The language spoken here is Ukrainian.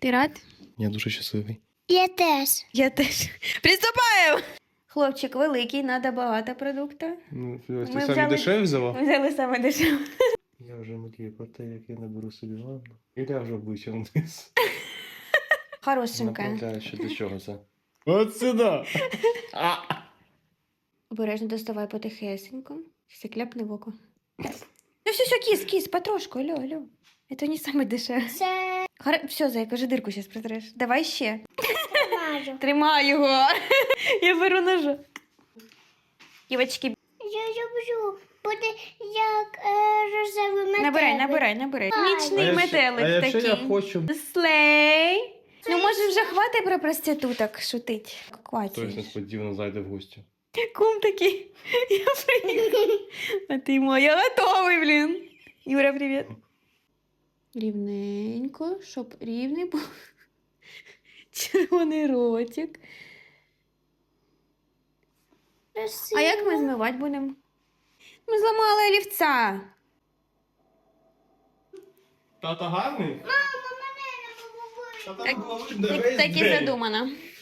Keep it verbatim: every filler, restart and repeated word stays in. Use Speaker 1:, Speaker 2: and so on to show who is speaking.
Speaker 1: Ти рад?
Speaker 2: Я дуже щасливий.
Speaker 3: Я теж.
Speaker 1: Я теж. Приступаємо! Хлопчик великий, треба багато продукту.
Speaker 2: Ну, ти
Speaker 1: Ми
Speaker 2: самі
Speaker 1: взяли-
Speaker 2: дешеві взяла?
Speaker 1: Ми взяли саме дешеве.
Speaker 2: Я вже мрію про те, як я наберу собі ванну. І ляжу обличчям вниз.
Speaker 1: Хорошенька.
Speaker 2: Направляю, що до чого це. От сюди!
Speaker 1: Обережно доставай потихесенько. Все кляпне в око. Ну все, все, кіс, кіс, потрошку, алло, алло. Это не саме дешеве.
Speaker 3: Це
Speaker 1: Хар... Все, зайка, вже дирку зараз протреш. Давай ще.
Speaker 3: мажу.
Speaker 1: Тримай його. Я беру ножа. Дівочки,
Speaker 3: Я люблю. Буде як е, рожевий метелик.
Speaker 1: набирай, набирай, набирай.
Speaker 3: Ай.
Speaker 1: Нічний
Speaker 2: А якщо-
Speaker 1: метелик
Speaker 2: а якщо
Speaker 1: такий.
Speaker 2: я хочу...
Speaker 1: Слей. Ну, може, вже хватить про проституток шутить.
Speaker 2: Хтось
Speaker 1: Кваті.
Speaker 2: несподівано зайде в гості.
Speaker 1: Кум такий. Я приїхав. А ти мой, я готовий, блін. Юра, привіт. Рівненько, щоб рівний був. Червоний ротик. А як ми змивати будемо? Ми зламали олівця.
Speaker 2: Тато гарний?
Speaker 3: Мама, мене не побудує.
Speaker 2: Тато
Speaker 1: Так,
Speaker 2: було видно
Speaker 1: Так,
Speaker 2: весь
Speaker 1: так і
Speaker 2: день.
Speaker 1: задумано.